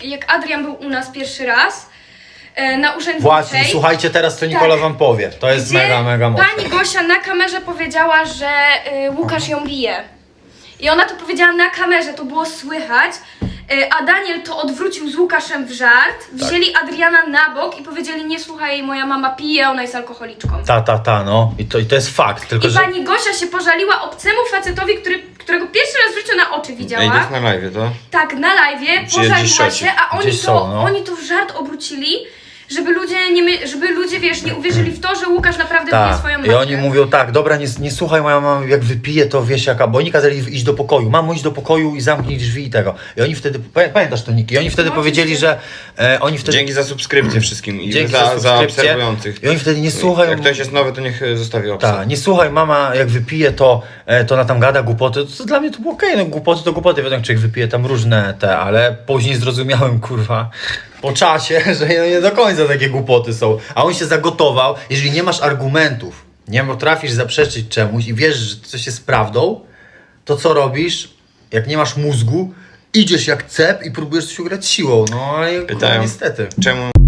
jak Adrian był u nas pierwszy raz na urzędniczej. Właśnie, słuchajcie teraz, co Nikola wam powie. To jest gdzie mega mocne. pani Gosia na kamerze powiedziała, że Łukasz ją bije. I ona to powiedziała na kamerze, to było słychać. A Daniel to odwrócił z Łukaszem w żart. Wzięli Adriana na bok i powiedzieli: nie słuchaj jej, moja mama pije, ona jest alkoholiczką. No. I to jest fakt, tylko I że... pani Gosia się pożaliła obcemu facetowi, którego pierwszy raz w życiu na oczy widziała. Ej, to jest na live, to? Tak, na live'ie, pożaliła się, a oni Gdzieś to, są, no. oni to w żart obrócili, żeby ludzie, wiesz, nie uwierzyli w to, że Łukasz naprawdę bije swoją matkę. I oni mówią tak, dobra, nie słuchaj, moja mama jak wypije, to wiesz jaka, bo oni kazali iść do pokoju. Mamo, idź do pokoju i zamknij drzwi i tego. I oni wtedy, pamiętasz to, Niki? I oni wtedy powiedzieli, że oni wtedy... Dzięki za subskrypcję wszystkim i Dzięki za subskrypcję. obserwujących. I oni wtedy nie słuchają... Jak ktoś jest nowy, to niech zostawi opcję. Tak, nie słuchaj, mama jak wypije, to ona tam gada głupoty. To dla mnie to było okej, no głupoty to głupoty, wiadomo, człowiek wypije tam różne ale później zrozumiałem, kurwa, po czasie, że nie do końca takie głupoty są. A on się zagotował, jeżeli nie masz argumentów, nie potrafisz zaprzeczyć czemuś i wiesz, że coś jest prawdą, to co robisz, jak nie masz mózgu, idziesz jak cep i próbujesz coś ugrać siłą, no ale kurwa, Pytają, niestety. czemu